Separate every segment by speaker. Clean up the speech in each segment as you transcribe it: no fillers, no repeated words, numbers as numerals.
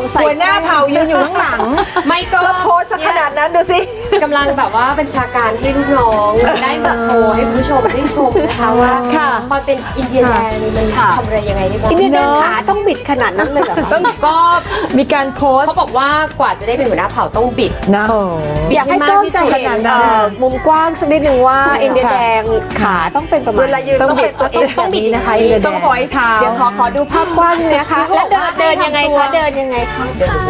Speaker 1: หัวหน้าเผ่ายืนอยู่ข้างหลังไม่ก็โพสขนาดนั้นดูสิ
Speaker 2: กำลังแบบว่าเป็นชาการให้ลูกน้องได้มาโชว์ให้ผู้ชมได้ชมนะคะว่าความเป็นอินเดียแดงมันทำอะไรยังไงได้บ้าง
Speaker 3: อินเดียแดงขาต้องบิดขนาดนั้นเลยเหรอคะ
Speaker 2: ก็
Speaker 1: มีการโพส
Speaker 2: เขาบอกว่ากว่าจะได้เป็นหัวหน้าเผ่าต้องบิด
Speaker 1: นะ
Speaker 3: อยากให้กล้องจะเห็นมุมกว้างสักนิดนึงว่าอินเดียแดงขาต้องเป็นประมาณ
Speaker 1: เวลายืนต้องเป็นตัวเอสแบบนี้นะคะอินเดียแดงต้องหอยเท้า
Speaker 3: เดี๋ยวขอดูภาพกว้างนะคะแล้วเดินยังไงคะเดินยังไงคะ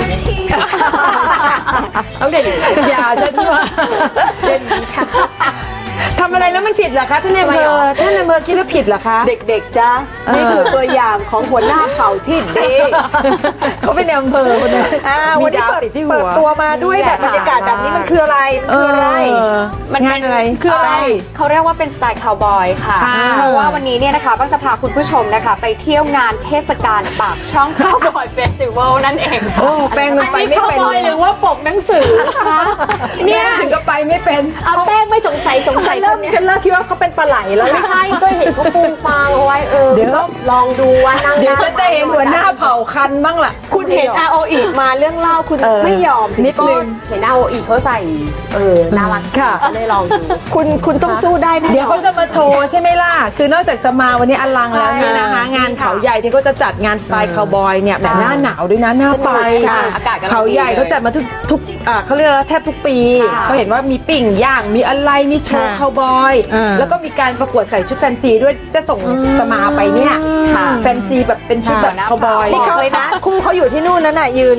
Speaker 1: ต้องเดินอย่าใช่ไหมเดินนี้ค่ะทำอะไรแล้วมันผิดเหรอคะท่านนายอำเภอคิดว่าผิดเหรอคะ
Speaker 3: เด็กๆจ้านี่คือตัวอย่างของหัวหน้าเผ่าที่ดี
Speaker 1: เขาเป็นอำเภอคนนึง
Speaker 3: วันนี้เปิดตัวมาด้วยแบบบรรยากาศแบบนี้มันคืออะไร
Speaker 1: มันเป็นอะไร
Speaker 3: คืออะไร
Speaker 2: เขาเรียกว่าเป็นสไตล์คาวบอยค่ะเพราะว่าวันนี้เนี่ยนะคะบ้างจะพาคุณผู้ชมนะคะไปเที่ยวงานเทศกาลปากช่องคาวบอยเฟสติวัลนั่นเอง
Speaker 1: โอ้แป้งไปไม่เป็น
Speaker 3: หรือว่าปกหนังสือคะ
Speaker 1: เนี่ยถึงก็ไปไม่เป็น
Speaker 3: เอาแป้งไม่สงสัยฉันเริ่มคิดว่าเขาเป็นปลาไหลแล้ว
Speaker 2: ไม่ใช่ก็เห็นเขาปูฟางเอาไว้
Speaker 1: เดี๋ยว
Speaker 2: ลองดูว่านั่ง
Speaker 1: เดี๋ยวจะได้เห็นหัวหน้าเผ่าคันบ้างล่ะ
Speaker 3: คุณเห็นอาโออีมาเรื่องเล่าคุณไม่ยอม
Speaker 1: นิดนึง
Speaker 2: เห็นอาโออีเขาใส่น่ารัก
Speaker 1: ค่ะ
Speaker 2: เลยลองดู
Speaker 3: คุณต้องสู้ได้นะ
Speaker 1: เดี๋ยวเขาจะมาโชว์ใช่ไหมล่ะคือนอกจากจะมาวันนี้อลังแล้วนี่นะคะงานเขาใหญ่ที่เขาจะจัดงานสไตล์คาวบอยเนี่ยแบบหน้าหนาวด้วยนะหน้าไฟเขาใหญ่เขาจัดมาทุกเขาเรียกแทบทุกปีเขาเห็นว่ามีปิ่งย่างมีอะไรมีโชว์คาวบอยแล้วก็มีการประกวดใส่ชุดแฟนซีด้วยจะส่งสมาไปเนี่ยแฟนซีแบบเป็นชุดแบบคาวบอย
Speaker 3: นี่เขาเลยนะคู่เขาอยู่ที่นู่นนั่นน่ะยืน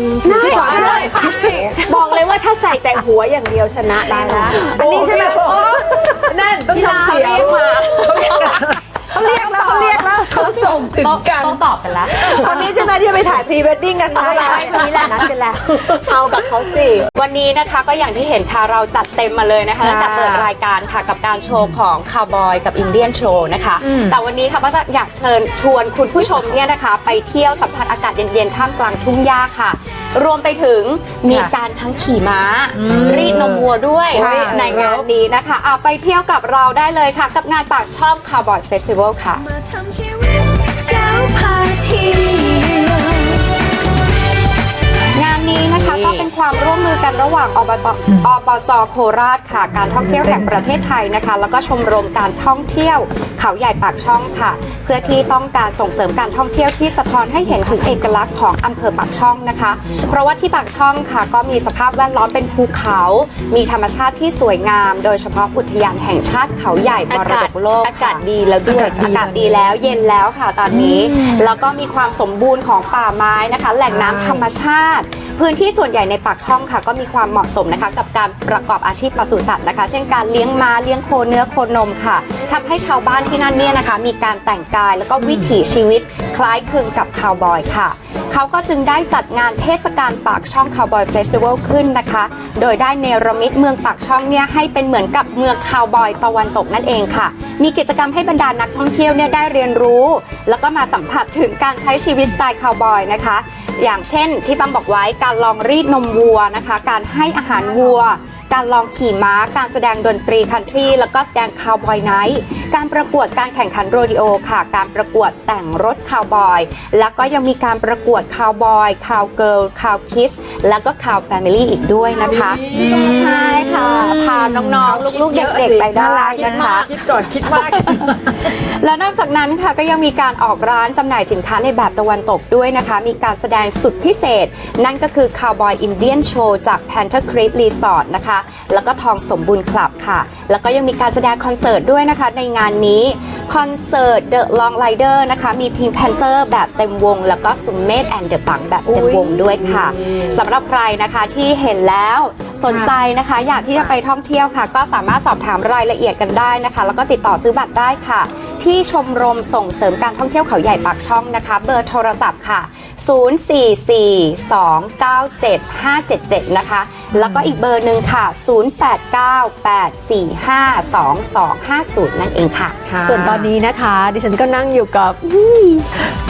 Speaker 3: บอกเลยว่าถ้าใส่แต่หัวอย่างเดียวชนะได้ละ
Speaker 1: อันนี้ใช่ไหมนั่นต้องทำเสียงมาเขาเรียกแล้วเขาส่งถึงกัน
Speaker 2: ต้องตอบฉันแล้ว
Speaker 3: คนนี้ใช่ไหมที่จะไปถ่ายพรีเวดดิ้งกัน
Speaker 2: ใช่นี่แหละนัดกันแล้วเอากับเขาสิวันนี้นะคะก็อย่างที่เห็นค่ะเราจัดเต็มมาเลยนะคะตั้งแต่เปิดรายการค่ะกับการโชว์ของคาวบอยกับอินเดียนโชว์นะคะแต่วันนี้ค่ะก็จะอยากเชิญชวนคุณผู้ชมเนี่ยนะคะไปเที่ยวสัมผัสอากาศเย็นๆท่ามกลางทุ่งหญ้าค่ะรวมไปถึงมีการทั้งขี่ม้ารีดนมวัวด้วยในงานนี้นะคะเอาไปเที่ยวกับเราได้เลยค่ะกับงานปากช่องคาวบอยเฟสติวัลค่ะงานนี้นะคะก็เป็นความร่วมมือกันระหว่างอบจ.โคราชค่ะการท่องเที่ยวแห่งประเทศไทยนะคะแล้วก็ชมรมการท่องเที่ยวเขาใหญ่ปากช่องค่ะเพื่อที่ต้องการส่งเสริมการท่องเที่ยวที่สะท้อนให้เห็นถึงเอกลักษณ์ของอำเภอปากช่องนะคะเพราะว่าที่ปากช่องค่ะก็มีสภาพแวดล้อมเป็นภูเขามีธรรมชาติที่สวยงามโดยเฉพาะอุทยานแห่งชาติเขาใหญ่มรดกโลกอากาศดีแล้วด้วยอากาศดีแล้วเย็นแล้วค่ะตอนนี้แล้วก็มีความสมบูรณ์ของป่าไม้นะคะแหล่งน้ำธรรมชาติพื้นที่ส่วนใหญ่ในปากช่องค่ะก็มีความเหมาะสมนะคะกับการประกอบอาชีพปศุสัตว์นะคะเช่นการเลี้ยงม้าเลี้ยงโคเนื้อโคนมค่ะทำให้ชาวบ้านที่นั่นเนี่ยนะคะมีการแต่งกายแล้วก็วิถีชีวิตคล้ายคลึงกับคาวบอยค่ะเขาก็จึงได้จัดงานเทศกาลปากช่องคาวบอยเฟสติวัลขึ้นนะคะโดยได้เนรมิตเมืองปากช่องเนี่ยให้เป็นเหมือนกับเมืองคาวบอยตะวันตกนั่นเองค่ะมีกิจกรรมให้บรรดานักท่องเที่ยวเนี่ยได้เรียนรู้แล้วก็มาสัมผัสถึงการใช้ชีวิตสไตล์คาวบอยนะคะอย่างเช่นที่ตั้มบอกไว้การลองรีดนมวัวนะคะการให้อาหารวัวการลองขี่ม้าการแสดงดนตรีคันทรีแล้วก็แสดงคาวบอยไนท์การประกวดการแข่งขันโรดิโอค่ะการประกวดแต่งรถคาวบอยแล้วก็ยังมีการประกวดคาวบอยคาวเกิร์ลคาวคิสแล้วก็คาวแฟมิลี่อีกด้วยนะคะใช่ค่ะพาน้องๆลูกๆเด็กๆไปได้นะคะ
Speaker 1: คิดก่อนคิดมาก
Speaker 2: แล้วนอกจากนั้นค่ะก็ยังมีการออกร้านจำหน่ายสินค้าในแบบตะวันตกด้วยนะคะมีการแสดงสุดพิเศษนั่นก็คือ Cowboy Indian Show จาก Panther Creek Resort นะคะแล้วก็ทองสมบูรณ์คลับค่ะแล้วก็ยังมีการแสดงคอนเสิร์ตด้วยนะคะในงานนี้คอนเสิร์ต The Long Rider นะคะมี Pink Panther แบบเต็มวงแล้วก็ Summit and the Bang แบบเต็มวงด้วยค่ะสำหรับใครนะคะที่เห็นแล้วสนใจนะคะอยากที่จะไปท่องเที่ยวค่ะก็สามารถสอบถามรายละเอียดกันได้นะคะแล้วก็ติดต่อซื้อบัตรได้ค่ะที่ชมรมส่งเสริมการท่องเที่ยวเขาใหญ่ปากช่องนะคะเบอร์โทรศัพท์ค่ะ044297577นะคะแล้วก็อีกเบอร์หนึ่งค่ะ0898452250นั่นเองค่ะ
Speaker 3: ส่วนตอนนี้นะคะดิฉันก็นั่งอยู่กับ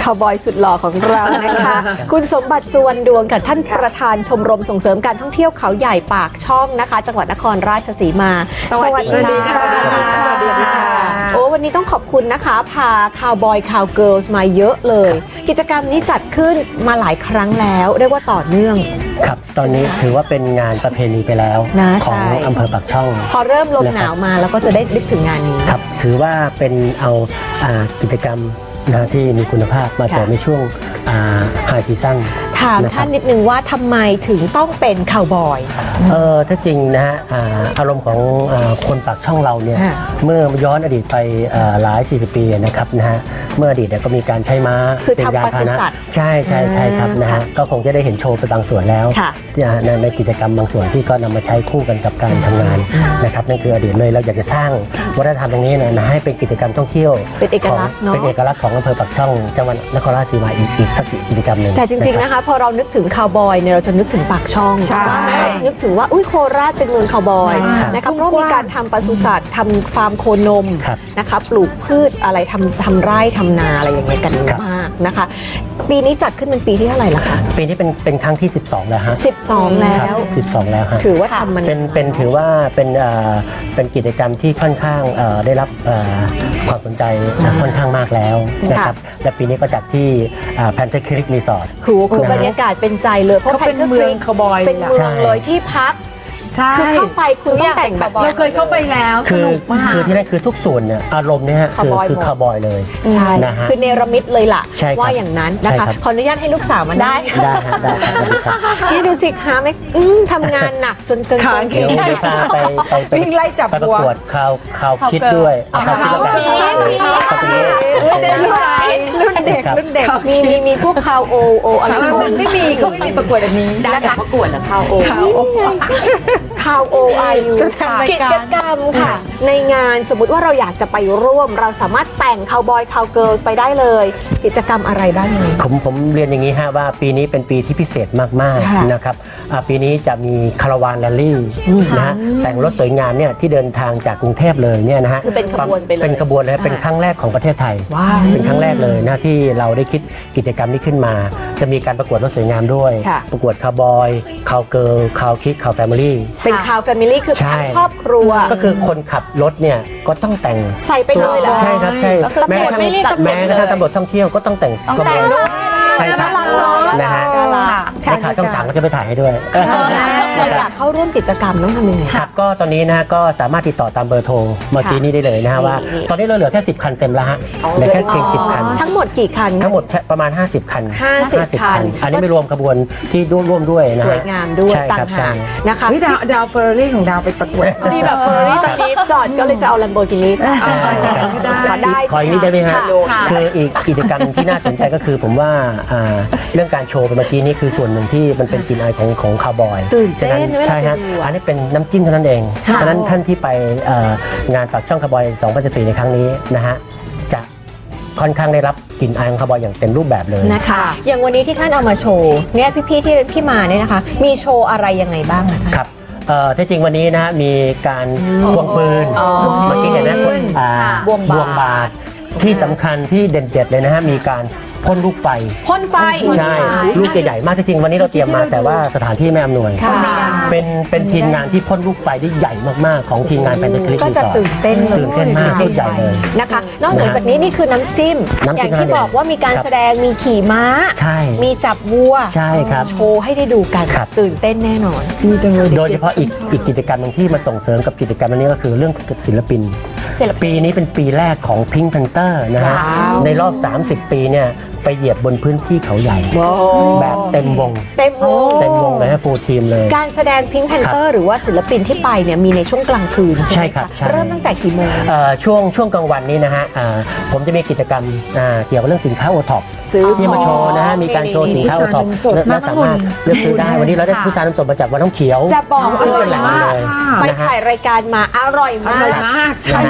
Speaker 3: คาวบอยสุดหล่อของเรานะคะ คุณสมบัติสุวรรณดวงกับท่านประธานชมรมส่งเสริมการท่องเที่ยวเขาใหญ่ปากช่องนะคะ จังหวัดนครราชสีมา
Speaker 2: สวัสดีค่ะ
Speaker 3: สวัสดีค่ะโอ้วันนี้ต้องขอบคุณนะคะ พาคาวบอยคาวเกิร์ลมาเยอะเลย กิจกรรมนี้จัดขึ้นมาหลายครั้งแล้วเรียกว่าต่อเนื่อง
Speaker 4: ครับตอนนี้ถือว่าเป็นงานประเพณีไปแล้ว
Speaker 3: นะ
Speaker 4: ของ
Speaker 3: ใช่
Speaker 4: อำเภอปากช่อง
Speaker 3: พอเริ่มลมหนาวมาแล้วก็จะได้นึกถึงงานนี้
Speaker 4: ครับถือว่าเป็นเอากิจกรรมนะที่มีคุณภาพมาเสริมในช่วงไฮซีซั่น
Speaker 3: ถาม
Speaker 4: นะครับ
Speaker 3: ท่านนิดนึงว่าทำไมถึงต้องเป็นคาวบอย
Speaker 4: ถ้าจริงนะฮะอารมณ์ของคนปากช่องเราเนี่ย
Speaker 3: ค่ะ
Speaker 4: เมื่อย้อนอดีตไปหลาย40 ปีนะครับนะฮะเมื่ออดีตเนี่ยก็มีการใช้ม้า
Speaker 3: คือ
Speaker 4: เป็น
Speaker 3: ทำ
Speaker 4: ยาน
Speaker 3: ปศุ
Speaker 4: พาหนะ
Speaker 3: สัตว์
Speaker 4: ใช่ครับนะฮะ
Speaker 3: ค่ะ
Speaker 4: ก็คงจะได้เห็นโชว์ไปบางส่วนแล้ว
Speaker 3: ค่ะ
Speaker 4: ในกิจกรรมบางส่วนที่ก็นำมาใช้คู่กันกับการทำงานนะครับนั่นคืออดีตเลยเราอยากจะสร้างวัฒนธรรมตรงนี้นะให้เป็นกิจกรรมท่องเที่ยว
Speaker 3: เป็นเอกลักษณ์เนอะ
Speaker 4: เป็นเอกลักษณ์ของอำเภอปากช่องจังหวัดนครราชสีมาอีกสักกิจกรรมหนึ่ง
Speaker 3: แต่จริงๆนะคะพอเรานึกถึงคาวบอยเนี่ยเราจะนึกถึงปากช่อง
Speaker 1: ใช่
Speaker 3: ว่าไหมเราจะนึกถึงว่าอุ้ยโคราชเป็นเมืองคาวบอย
Speaker 1: ใช่
Speaker 3: นะคะเพราะมีการทำปศุสัตว์ทำฟาร์มโคนม
Speaker 4: ครับ
Speaker 3: นะคะปลูกพืชอะไรทำไร่ทำนาอะไรอย่างเงี้ยกัน
Speaker 4: ครับ
Speaker 3: มากนะคะ ปีนี้จัดขึ้นเป็นปีที่เท่าไหร่ละคะ
Speaker 4: ปีนี้เป็นครั้งที่ 12 แล้วฮะ
Speaker 3: 12 แล้
Speaker 4: ครับ
Speaker 3: ว
Speaker 4: 12 แล้วฮะ
Speaker 3: ถือว่าทำมัน
Speaker 4: เป็นถือว่าเป็นกิจกรรมที่ค่อนข้างได้รับความสนใจค่อนข้างมากแล้วนะครับและปีนี้ก็จัดที่แพนเทคลิกรีสอร์ท
Speaker 3: คือบรรยากาศเป็นใจเลยเพราะ
Speaker 1: เขาเป็นเมืองคาวบอย
Speaker 3: เป็น
Speaker 1: เลย
Speaker 3: เมื
Speaker 1: ล่ะ
Speaker 3: องเลยที่พัก
Speaker 1: ใช่
Speaker 3: คือเข้าไปคุณต้องแต่งแบบ
Speaker 1: เราเคยเข้าไปแล้วส
Speaker 4: คือ
Speaker 1: นุกมาก
Speaker 4: คือที่นั่นคือทุกส่วนเนี่ยอารมณ์เนี่ยฮะคือ
Speaker 3: Cowboy
Speaker 4: คือคาวบอยเลย
Speaker 3: ใช่
Speaker 4: นะฮะ
Speaker 3: คือเนรมิตเลยล่ะ
Speaker 4: ใช่ครับ
Speaker 3: ว่าอย่างนั้นนะ
Speaker 4: ใช่
Speaker 3: คะ
Speaker 4: ครับ
Speaker 3: ขออนุญาตให้ลูกสาวมาได้
Speaker 4: ได้ฮะได้ครับได้ครับ
Speaker 3: นี่ดูสิคะไม่ทำงานหนักจนเกิน
Speaker 1: ขา
Speaker 3: คน
Speaker 1: เขี
Speaker 4: เดี๋
Speaker 1: ย
Speaker 4: ยวพาไป
Speaker 1: วิ่งไล่จับ
Speaker 4: ไปประ
Speaker 1: วัว
Speaker 4: กวดข่าวคิดด้วย
Speaker 3: เอา
Speaker 4: ข่าวคิดแล้วกัน
Speaker 3: ข่าวคิด
Speaker 4: ข่าวคิด
Speaker 1: รุ่นเด็กรุ่นเด็ก
Speaker 3: มีพวกคาวโออะไรพวก
Speaker 1: ไม่มีเขาไม่มีประกวดแบบนี้
Speaker 3: นะคะประกวดนะคาวโอ
Speaker 1: เขา
Speaker 3: คาวโอไอยู
Speaker 1: จะทำราย
Speaker 3: กิ
Speaker 1: การ
Speaker 3: จกรรมค่ะ ในงานสมมุติว่าเราอยากจะไปร่วม เราสามารถแต่งคาวบอยคาวเกิร์ลไปได้เลย กิจกรรมอะไรบ้างยังไง
Speaker 4: ผมเรียนอย่างนี้ฮะว่าปีนี้เป็นปีที่พิเศษมาก
Speaker 3: ค่ะ
Speaker 4: ๆนะครับปีนี้จะมีคาราวานแรลลี่นะฮะแต่งรถสวยงามเนี่ยที่เดินทางจากกรุงเทพเลยเนี่ยนะฮะ
Speaker 3: คือเป็นขบวนไปเลย
Speaker 4: เป็นขบวนเลยเป็นครั้งแรกของประเทศไทย
Speaker 3: ว้าว
Speaker 4: เป็นครั้งแรกเลยนะที่เราได้คิดกิจกรรมนี้ขึ้นมา จะมีการประกวดรถสวยงามด้วย
Speaker 3: ค่ะ
Speaker 4: ประกวดคาวบอยคาวเกิร์ลคาวคิดคาวแฟมิลี่
Speaker 3: เป็นคาวแฟมิลี่คือ
Speaker 4: ใช่
Speaker 3: ทั้งครอบครัว
Speaker 4: ก็คือคนขับรถเนี่ยก็ต้องแต่ง
Speaker 3: ใส่ไปเลยเหรอ
Speaker 4: ใช่ครับใช่
Speaker 3: แล้วตำรวจไม่เรียกตำรวจ
Speaker 4: แม้กระทั่งตำรวจท่องเที่ยวก็ต้องแต่งกระบ
Speaker 3: แต่
Speaker 4: วน
Speaker 3: ด้วย
Speaker 4: ใช่ครับ
Speaker 3: น่ารักเนอะ
Speaker 4: นะฮะ
Speaker 3: น่ารัก
Speaker 4: ในข่าวช่องสามก็จะไปถ่ายให้ด้วย
Speaker 3: เราอยากเข้าร่วมกิจกรรมต้องทำยังไง
Speaker 4: ครับก็ตอนนี้นะฮะก็สามารถติดต่อตามเบอร์โทรเมื่อกี้นี้ได้เลยนะฮะว่า
Speaker 3: นี่
Speaker 4: ตอนนี้เราเหลือแค่10 คันเต็มแล้วฮะเหลือแค่เพียง10 คัน
Speaker 3: ทั้งหมดกี่คัน
Speaker 4: ทั้งหมดประมาณ 50 คัน
Speaker 3: 50 คัน
Speaker 4: อันนี้ไม่รวมขบวนที่ร่วมด้วยนะ
Speaker 3: ส
Speaker 4: ฮะ
Speaker 3: วยงามด้วย
Speaker 4: ใช่
Speaker 3: ต่า
Speaker 4: ครั
Speaker 3: ง
Speaker 4: บ
Speaker 3: หาก
Speaker 4: ใช่
Speaker 3: นะคะ
Speaker 1: วิดาวเฟอร์รี่ของดาวไปประกวด
Speaker 3: พอดีแบบเฟอร์รี่ตอนนี้จอดก็เลยจะเอาลัมโบกินี
Speaker 1: ได้
Speaker 3: ได้
Speaker 4: ขออีกนิดได้ไหมฮะ
Speaker 3: ค่ะ
Speaker 4: คืออีกกิจกรรมที่น่าสนใจก็คือผมว่าเรื่องการโชว์ไปเมื่อกี้นี้คือส่วนหนึ่งที่มันเป็นกลิ่นอายของคาวบอย
Speaker 3: ตื่นเต้น
Speaker 4: ฉะ
Speaker 3: เวลา
Speaker 4: ใช่ฮะ
Speaker 3: ไปดูอะ
Speaker 4: อันนี้เป็นน้ำจิ้มเท่านั้นเอง
Speaker 3: ค่ะ
Speaker 4: ฉะนั้นท่านที่ไปงานปากช่องคาวบอย2014ในครั้งนี้นะฮะจะค่อนข้างได้รับกลิ่นอายของคาวบอยอย่างเต็มรูปแบบเลย
Speaker 3: นะคะ อย่างวันนี้ที่ท่านเอามาโชว์เนี่ยพี่ๆที่มาเนี่ยนะคะ มีโชว์อะไรยังไงบ้างนะคะ
Speaker 4: ครับที่จริงวันนี้นะฮะมีการควงปืน
Speaker 3: อ๋อ
Speaker 4: เมื่อกี้เห็นนะ
Speaker 3: บวงบาท
Speaker 4: บาทที่สำคัญที่เด่นๆเลยนะฮะมีการพ่นลูกไฟ
Speaker 3: พ่นไฟ
Speaker 4: ใช่ลูกใหญ่ๆมากจริงๆวันนี้เราเตรียมมาแต่ว่าสถานที่ไม่อำนวย
Speaker 3: ค่ะ
Speaker 4: เป็นทีมงานที่พ่นลูกไฟได้ใหญ่มากๆของทีมงานแพนเทคลิก
Speaker 3: ก็จะตื่นเต้นเลย
Speaker 4: ตื่นเต้นมากลูกใหญ่เลย
Speaker 3: นะคะ นอกเหนือจากนี้นี่คือน้ำจิ้ม
Speaker 4: น้ำจิ้ม
Speaker 3: อย่างที่บอกว่ามีการ
Speaker 4: ครับ
Speaker 3: แสดงมีขี่ม้า
Speaker 4: ใช่
Speaker 3: มีจับวัว
Speaker 4: ใช่ครับ
Speaker 3: โชว์ให้ได้ดูกัน
Speaker 4: ครับ
Speaker 3: ตื่นเต้นแน่นอน
Speaker 1: ดีจังเลย
Speaker 4: โดยเฉพาะอีกกิจกรรมหนึงที่มาส่งเสริมกับกิจกรรมอันนี้ก็คือเรื่องศิลปิน
Speaker 3: ศิลปิน
Speaker 4: ปีนี้เป็นปีแรกของ Pink Panther นะฮะ
Speaker 3: ว้าว
Speaker 4: ในรอบ 30 ปีเนี่ยไปเหยียบบนพื้นที่เขาใหญ่ แบบเต็มวง
Speaker 3: เต็มวง
Speaker 4: เต็มวงเลยฮะฟูลทีมเลย
Speaker 3: การแสดงพิงค์แพนเตอร์หรือว่าศิลปินที่ไปเนี่ยมีในช่วงกลางคืน
Speaker 4: ใช่
Speaker 3: ไหมะ
Speaker 4: ครับใช่
Speaker 3: เริ่มตั้งแต่กี่โมง
Speaker 4: ช่วงกลางวันนี้นะฮะผมจะมีกิจกรรมเกี่ยวกับเรื่องสินค้าโอท็อป
Speaker 3: ซื้อ
Speaker 4: ที่มาโชว์นะฮะมีการโชว์สินค้าโอท็อปและสามารถเลือกซื้อได้วันนี้เราได้ผู้สานน้ำสดมาจากวัดน้ำเขียว
Speaker 3: จะบอก
Speaker 4: ซึ่ง
Speaker 3: เล
Speaker 4: เป็น
Speaker 3: ย
Speaker 4: แหล่ง
Speaker 3: ว่า
Speaker 4: เลย
Speaker 3: ไป
Speaker 4: นะฮะ
Speaker 3: ถ่ายรายการมาอร่อย
Speaker 1: อ
Speaker 3: มา
Speaker 1: ร่อย
Speaker 3: ก
Speaker 1: มากใช่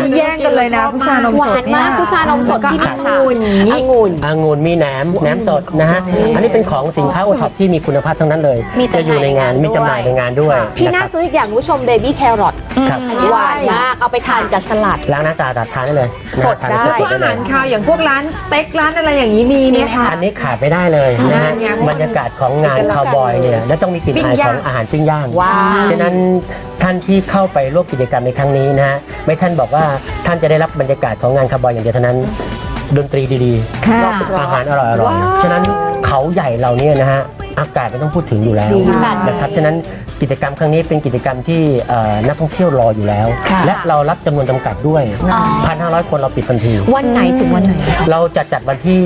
Speaker 1: นี่แย่งกันเลยนะพุทรานม
Speaker 3: ห
Speaker 1: ส
Speaker 3: วา
Speaker 1: ด
Speaker 3: นมากพุทรานมสดที่มีองุ่น
Speaker 4: มีแหนมสดนะฮะอันนี้เป็นของสินค้าโอท็อปที่มีคุณภาพทั้งนั้นเลย
Speaker 3: มีจำหน่าย
Speaker 4: จะอยู่ในงานมีจำหน่ายในงานด้วย
Speaker 3: ที่น่า
Speaker 4: ะครับ
Speaker 3: ซื้ออีกอย่างคุณผู้ชมเบบี้แครอท
Speaker 4: ครับ
Speaker 3: อันนี้หวานมากเอาไปทานกับสลัด
Speaker 4: ล้างน้ำสะอาดทานได้เลย
Speaker 3: สดได้
Speaker 4: ทาน
Speaker 1: พวก
Speaker 4: ได้
Speaker 1: อา
Speaker 4: เล
Speaker 1: หาย รคาวอย่างพวกร้านสเต็กร้านอะไรอย่างนี้มีไหมคะ
Speaker 4: อันนี้ขาดไม่ได้เลยนะฮะ
Speaker 1: งาน
Speaker 4: บรรยากาศของงานคาวบอยเนี่ยและต้องมีกลิ่นอายของอาหารปิ้งย่าง
Speaker 3: ว้าว
Speaker 4: ฉะนั้นท่านที่เข้าไปร่วมกิจกรรมในครั้งนี้นะฮะไม่ท่านบอกว่าท่านจะได้รับบรรยากาศของงานคาวบอยอย่างเดียวเท่านั้นดนตรีดีๆอาหารอร่อยๆฉะนั้นเขาใหญ่เราเนี่ยนะฮะอากาศไม่ต้องพูดถึงอยู่แล้ว
Speaker 3: ดีมาก
Speaker 4: นะครับฉะนั้นกิจกรรมครั้งนี้เป็นกิจกรรมที่นักท่องเที่ยวรออยู่แล้ว
Speaker 3: ค่ะ
Speaker 4: และเรารับจำนวนจำกัดด้วย 1,500 คนเราปิดทันที
Speaker 3: วันไหนถึงวันไหน
Speaker 4: เราจะจัดวันที่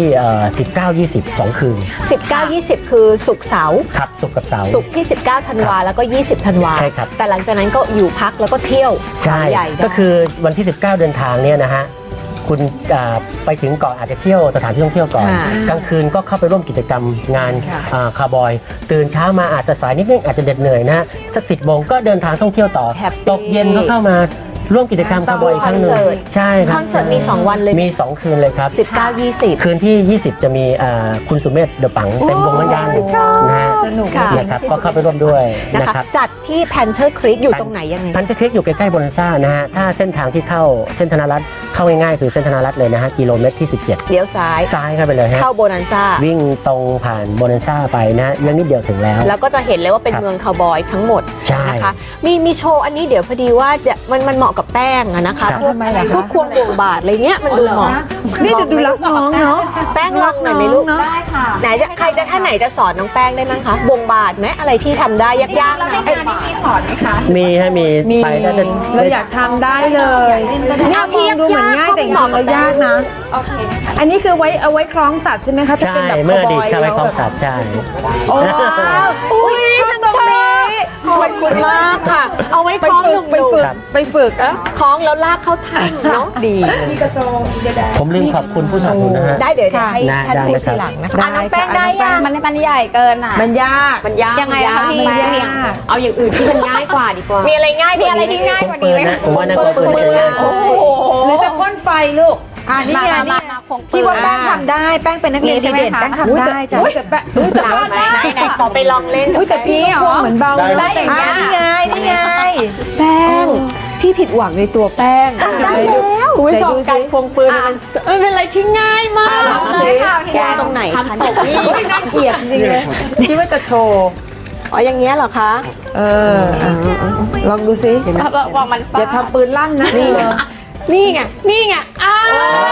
Speaker 4: 19-20 2 คืน
Speaker 3: 19-20 คือศุกร์เสาร์
Speaker 4: ครับศุกร์กับเสาร์
Speaker 3: ศุกร์ที่ 19 ธันวาแล้วก็ 20 ธันวา
Speaker 4: ใช่ครับ
Speaker 3: แต่หลังจากนั้นก็อยู่พักแล้วก็เที่ยว
Speaker 4: ใช่
Speaker 3: เขาใหญ่ได้
Speaker 4: ก็คือวันที่ 19 เดินทางเนี่ยนะฮะคุณไปถึงก่อนอาจจะเที่ยวสถานที่ท่องเที่ยวก่อน
Speaker 3: ค่ะ
Speaker 4: กลางคืนก็เข้าไปร่วมกิจกรรมงาน
Speaker 3: ค่ะ
Speaker 4: คาร์บอยตื่นเช้ามาอาจจะสายนิดนึงอาจจะเด็ดเหนื่อยนะฮะสัก10 โมงก็เดินทางท่องเที่ยวต่อ
Speaker 3: แฮปปี้
Speaker 4: ตกเย็นก็เข้ามาร่วมกิจกรรมคาร์บอยอีกครั้งหนึ่ง
Speaker 3: คอนเสิร์ต
Speaker 4: ใช่ค
Speaker 3: ครับ อนเสิร์ตมี 2 วันเลย
Speaker 4: มี 2 คืนเลยครับ
Speaker 3: 19-20
Speaker 4: คืนที่ 20 จะมีคุณสุเมธเดอะปังเป็นวงนั้นยังนะฮะ
Speaker 1: สนุก
Speaker 3: ค่ะ
Speaker 4: นะครับก็เข้าไปร่วมด้วย
Speaker 3: นะ
Speaker 4: นะคะ ครับ
Speaker 3: จัดที่ Panther Creek อยู่ตรงไหนยังไง
Speaker 4: พันธคลิกอยู่ใกล้ๆโบนันซ่านะฮะถ้าเส้นทางที่เข้าเส้นธนรัตน์เข้าง่ายๆคือเส้นธนรัตน์เลยนะฮะกิโลเมตรที่ 17
Speaker 3: เลี้ยวซ้าย
Speaker 4: ซ้ายเข้าไปเลยฮะ
Speaker 3: เข้าโบนันซ่า
Speaker 4: วิ่งตรงผ่านโบนันซ่าไปนะยังนิดเดียวถึงแล้ว
Speaker 3: แล้วก็จะเห็นเลยว่าเป็น
Speaker 4: ครับ
Speaker 3: เมืองคาวบอยทั้งหมด
Speaker 4: ใช่
Speaker 3: นะคะมีโชว์อันนี้เดี๋ยวพอดีว่ามันเหมาะกับแป้งอะนะคะ
Speaker 4: ครับ
Speaker 3: พวก
Speaker 1: ทำไมล่ะคะ
Speaker 3: พวกควงวงบาทอะไรเงี้ยมันดูเหมาะ
Speaker 1: นี่ดูรักน้องเนาะ
Speaker 3: แป้งลองหน่อยไหมลูก
Speaker 2: ได้ค่ะ
Speaker 3: ไหนจะใครจะท่านไหนจะสอนน้องแป้งได้มั้งคะวงบาทไหมอะไรที่ทำได้ยากๆ
Speaker 2: แล้ว
Speaker 3: นะ
Speaker 2: ในงานนี้มีสอนไหมคะ
Speaker 4: มีฮะมี
Speaker 1: มี
Speaker 4: ไปได้แต่
Speaker 1: เราอยากทำได้เลยเนี่ยมองดูเหมือนง่ายแต่จริงๆแล้วยากนะ
Speaker 2: โอเคค่ะ
Speaker 1: อันนี้คือเอาไว้คล้องสัตว์ใช่ไหมคะถ้า
Speaker 4: ใช่
Speaker 1: เป็นแบบ
Speaker 4: เมื่ออดีต
Speaker 1: ค
Speaker 4: เข้าไป
Speaker 1: ว
Speaker 4: คลอง
Speaker 1: แบบ
Speaker 4: สัตว์ใช่
Speaker 1: โอ้อุ้ยชอบตรงนี้
Speaker 3: ขอบคุณมากค่ะ เอาไว้
Speaker 1: ไป
Speaker 3: คล้อง
Speaker 1: ฝึ
Speaker 3: ห
Speaker 1: กไป
Speaker 3: นุ่ม
Speaker 1: ฝึก
Speaker 4: ครับ
Speaker 1: ไปฝึกอะ
Speaker 3: ๆคล้องแล้วลากเข้าถ้ำเนาะดี
Speaker 4: ผมลืมขอบคุณผู้สนับสนุนนะฮะ
Speaker 3: ได้เดี๋ยวให้
Speaker 4: ได้
Speaker 3: ท่าน
Speaker 4: ได้
Speaker 3: พูด
Speaker 4: ครั
Speaker 3: ที
Speaker 4: บ
Speaker 3: หลังนะคะอ่ะน้องแป้งได้ยัง
Speaker 2: มันใหญ่เกินอ่ะ
Speaker 1: มันยาก
Speaker 3: มันยาก
Speaker 2: ยังไงคะพี่
Speaker 3: มันยาก
Speaker 2: เบี่ยงเอาอย่างอื่นที่มันง่ายกว่าดีกว่า
Speaker 3: มีอะไรง่าย
Speaker 2: มีอะไรที่ง่ายกว่านี้ไหม
Speaker 4: ผมว่าน่าจะปืน
Speaker 3: ปืน
Speaker 4: ง่าย
Speaker 3: โอ้โห
Speaker 1: หรือจะพ่นไฟลูก
Speaker 2: นี่ไงนี่พี่ว่าแป้งทำได้
Speaker 1: แป้งเป็นนักเรียนดีเด่นแป้งทำได้จ้ะแต่แป้งจะ
Speaker 3: ไหนไหนขอไปลองเล่น
Speaker 1: แต่พี่ก็เหมือนเบา
Speaker 2: ได้อย่างเงี้ย
Speaker 1: นี่ไงนี่ไง
Speaker 3: แป้ง พี่ผิดหวังในตัวแป้ง
Speaker 1: ได้แล้ว
Speaker 3: คุณผู้ชมการควงปืนมันเป็นอะไรที่ง่ายมาก
Speaker 2: เลยค่ะ
Speaker 3: แกตรงไหน
Speaker 2: ทำตกนี่
Speaker 1: น่าเกลียดจริงเลยคิดว่าจะโชว์
Speaker 3: อ๋ออย่างเงี้ยเหรอคะ
Speaker 1: เออลองดูสิ
Speaker 2: วางมัน
Speaker 1: อย่าทำปืนลั่นนะ
Speaker 3: นี่ไงนี่ไงอ้า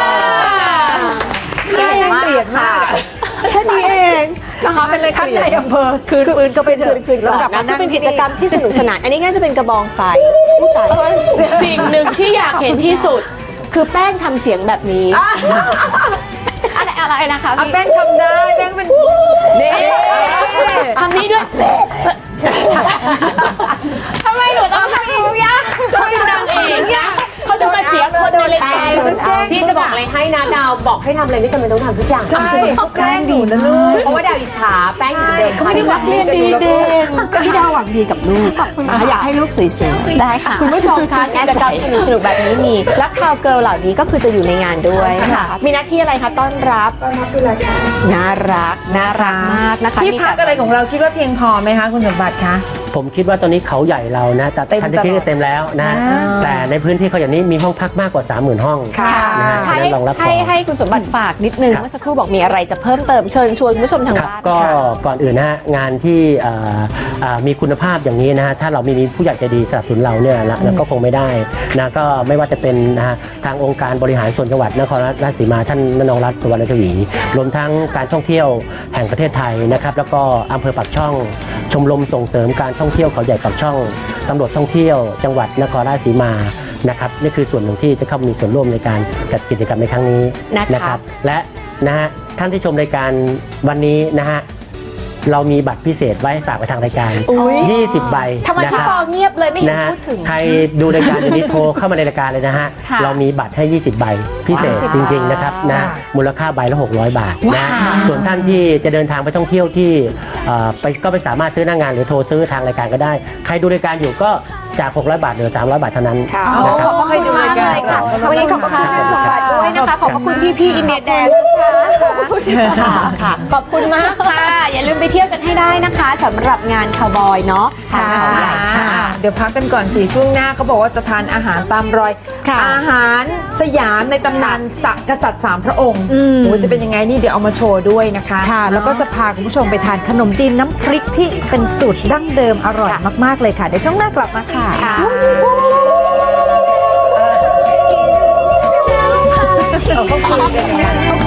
Speaker 1: น่าเกลียดมาก
Speaker 3: แค่นี้เองนะคะเป็นเลย
Speaker 1: ท่านในอำเภอคืนปืนก็ไปเถอะ
Speaker 3: คืนกลับนะเป็นกิจกรรมที่สนุกสนานอันนี้ง่ายจะเป็นกระบองไฟสิ่งหนึ่งที่อยากเห็นที่สุด คือแป้งทำเสียงแบบนี้
Speaker 2: อะไรนะคะ
Speaker 1: อ่ะ
Speaker 2: พี่
Speaker 1: แป้งทำได้แป้งเป็น
Speaker 3: นี่ทำนี้ด้วย
Speaker 2: ทำไมหนูต้องทำทุกอย่าง
Speaker 3: เขาเป็นนางเอกนะเขาจะมาเสียคนในรายการ
Speaker 5: พี่จะบอกอะไรให้นะดาวบอกให้ทำอะไรไม่จำเป็นต้องทำทุกอย่าง
Speaker 1: ใช่เขาแกล้งดีนะลูก
Speaker 5: เพราะว่าดาวอิจฉาแป้งจะเป็นเดิน
Speaker 1: เขาไม่ได้หวังดีกับลูก
Speaker 3: พี่ดาวหวังดีกับลูกอยากให้ลูกสวยๆได้ค่ะ คุณผู้ชมคะกิจกรรมสนุกๆแบบนี้มีและคาวเกิร์ลเหล่านี้ก็คือจะอยู่ในงานด้วยค่ะมีหน้าที่อะไรคะต้อนรับน่ารักน่ารักมากนะคะ
Speaker 1: ที่พักอะไรของเราคิดว่าเพียงพอไหมคะคุณสมบัติคะ
Speaker 4: ผมคิดว่าตอนนี้เขาใหญ่เรานะแต่
Speaker 1: เต็ม
Speaker 4: พันธคลิกเต็มแล้วนะ
Speaker 1: อ่า
Speaker 4: แต่ในพื้นที่เขาอย่างนี้มีห้องพักมากกว่า 30,000 ห้อง
Speaker 1: ค่ะ
Speaker 4: นะฮะ
Speaker 3: ให้
Speaker 4: ฉะนั้นรองรับพอ
Speaker 3: ให้คุณสมบัติฝากนิดนึง
Speaker 4: ครับ
Speaker 3: เมื่อสักครู่บอกมีอะไรจะเพิ่มเติมเชิญชวนคุณผู้ชมทาง
Speaker 4: ครับ
Speaker 3: บ้าน
Speaker 4: ก็
Speaker 3: ค่ะ
Speaker 4: ก่อนอื่นนะฮะงานที่มีคุณภาพอย่างนี้นะฮะถ้าเราไม่มีผู้ใหญ่ใจดีสนับสนุนเราเนี่ยแล้วก็คงไม่ได้นะก็ไม่ว่าจะเป็นนะฮะทางองค์การบริหารส่วนจังหวัดนครราชสีมาท่านนรงค์รัตน์สุวรรณชวีรวมทั้งการท่องเที่ยวแห่งประเทศไทยนะครับแล้วก็อำเภอปากช่อง ชมรมส่งเสริมการท่องเที่ยวเขาใหญ่ปากช่องตำรวจท่องเที่ยวจังหวัดนครราชสีมานะครับนี่คือส่วนหนึ่งที่จะเข้ามีส่วนร่วมในการจัดกิจกรรมในครั้งนี้
Speaker 3: นะคะ
Speaker 4: และนะฮะท่านที่ชมรายการวันนี้นะฮะเรามีบัตรพิเศษไว้ฝากไปทางรายการ
Speaker 3: อุ๊ย
Speaker 4: 20 ใบ
Speaker 3: ทำไม
Speaker 4: นะ
Speaker 3: พี่
Speaker 4: ครับ
Speaker 3: ปอเงียบเลยไม่เห็น
Speaker 4: นะฮะ
Speaker 3: พูดถึง
Speaker 4: ใครดูรายการอยู่นี้โทรเข้ามาในรายการเลยนะฮะ
Speaker 3: ค่ะ
Speaker 4: เรามีบัตรให้ 20 ใบพิเศษจริงๆนะครับนะมูลค่าใบละ600 บาทนะส่วนท่านที่จะเดินทางไปท่องเที่ยวที่ไปก็ไปสามารถซื้อหน้างานหรือโทรซื้อทางรายการก็ได้ ใครดูรายการอยู่ก็จาก600 บาทเหลือ300 บาทเท่านั้น
Speaker 2: ค่ะ
Speaker 4: นะครับ
Speaker 2: ขอบพระคุณมากเลยค่ะวันนี้ขอบพระคุณงานสมบัติด้วยนะคะ ขอบพระคุณพี่ๆอินเดียแดงนะคะ
Speaker 3: ค่ะขอบคุณมากค่ะ อย่าลืมไปเที่ยวกันให้ได้นะคะสำหรับงานคาวบอยเนาะทางเขาใหญ่ค่ะ
Speaker 1: เดี๋ยวพักกันก่อน4ช่วงหน้าเขาบอกว่าจะทานอาหารตามรอย
Speaker 3: ค่ะ
Speaker 1: อาหารสยามในตำนานกษัตริย์3 พระองค์
Speaker 3: อืม
Speaker 1: โอ้จะเป็นยังไงนี่เดี๋ยวเอามาโชว์ด้วยนะคะ
Speaker 6: ค่ะ แล้วก็จะพาคุณผู้ชมไปทานขนมจีนน้ำพริกที่เป็นสูตรดั้งเดิมอร่อยมากๆเลยค่ะเดี๋ยวช่วงหน้ากลับมาค่ะ
Speaker 1: เขาคุยกัน